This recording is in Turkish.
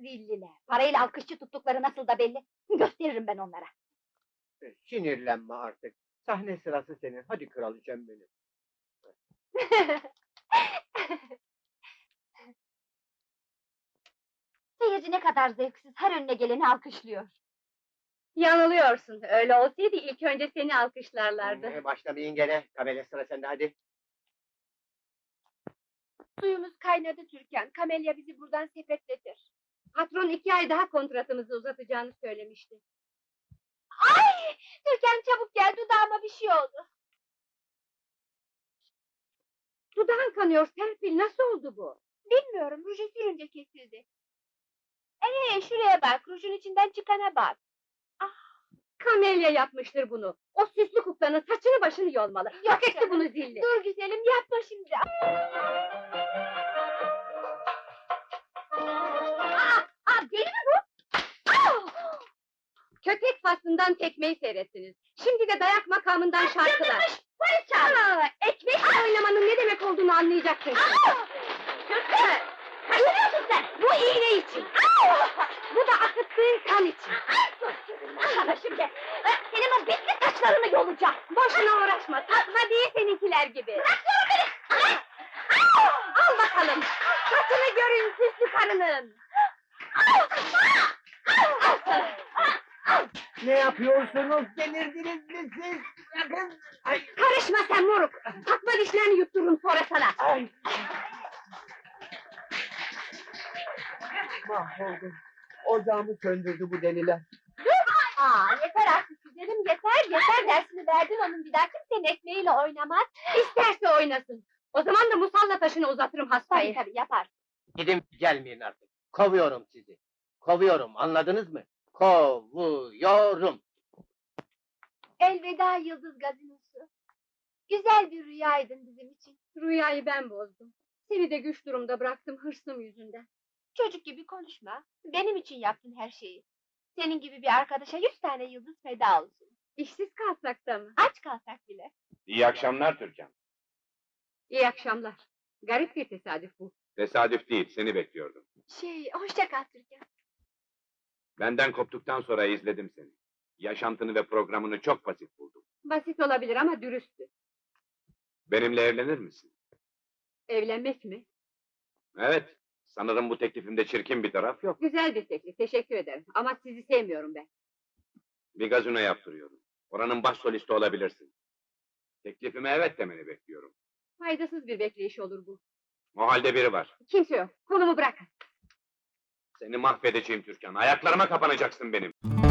Zilliler! Parayla alkışçı tuttukları nasıl da belli! Gösteririm ben onlara! Sinirlenme artık. Sahne sırası senin. Hadi kraliçem benim. Seyirci ne kadar zevksiz, her önüne geleni alkışlıyor! Yanılıyorsun, öyle olsaydı ilk önce seni alkışlarlardı. Başlamayın gene. Kamelya sıra sende hadi. Suyumuz kaynadı Türkan, Kamelya bizi buradan sepetletir! Patron 2 ay daha kontratımızı uzatacağını söylemişti. Ay! Türkan çabuk gel, dudağıma bir şey oldu! Dudağın kanıyor Serpil, nasıl oldu bu? Bilmiyorum, ruju sürünce kesildi! Şuraya bak, rujun içinden çıkana bak! Kamelya yapmıştır bunu. O süslü kuklanın saçını başını yolmalı. Hak etti bunu Zilli. Dur güzelim, yapma şimdi! Deli mi bu? Köpek faslından tekmeyi seyrettiniz. Şimdi de dayak makamından şarkılar. Polis çağır! Ekmek oynamanın ne demek olduğunu anlayacaksın. Türkan! Kaçırıyorsun sen! Bu iğne için. Bu da akıttığın kan için. Sana şimdi! Senin o bitli saçlarını yolacağım! Boşuna uğraşma. Takma değil seninkiler gibi. Bırakıyorum beni! Al bakalım. Saçını görün süslü karının. Ne yapıyorsunuz? Delirdiniz mi siz? Bırakın! Ay! Karışma sen moruk. Takma dişlerini yuttururum sonra sana. Ay! Mahvoldum. Ocağımı söndürdü bu deliler. Yeter artık güzelim, yeter! Dersini verdin onun, bir daha kimsenin ekmeğiyle oynamaz! İsterse oynasın. O zaman da musalla taşını uzatırım hastayı. Tabii yapar! Gidin gelmeyin artık. Kovuyorum sizi. Kovuyorum, anladınız mı? Kovuyorum. Elveda Yıldız Gazinosu! Güzel bir rüyaydın bizim için! Rüyayı ben bozdum. Seni de güç durumda bıraktım hırsım yüzünden. Çocuk gibi konuşma! Benim için yaptın her şeyi! Senin gibi bir arkadaşa 100 tane yıldız feda olsun! İşsiz kalsak da mı? Aç kalsak bile! İyi akşamlar Türkan. İyi akşamlar. Garip bir tesadüf bu. Tesadüf değil, seni bekliyordum. Hoşça kal Türkan! Benden koptuktan sonra izledim seni. Yaşantını ve programını çok basit buldum. Basit olabilir ama dürüsttü. Benimle evlenir misin? Evlenmek mi? Evet, sanırım bu teklifimde çirkin bir taraf yok. Güzel bir teklif, teşekkür ederim. Ama sizi sevmiyorum ben. Bir gazino yaptırıyorum. Oranın baş solisti olabilirsin. Teklifime evet demeni bekliyorum. Faydasız bir bekleyiş olur bu. O halde biri var. Kimse yok, kolumu bırakın. Seni mahvedeceğim Türkan. Ayaklarıma kapanacaksın benim.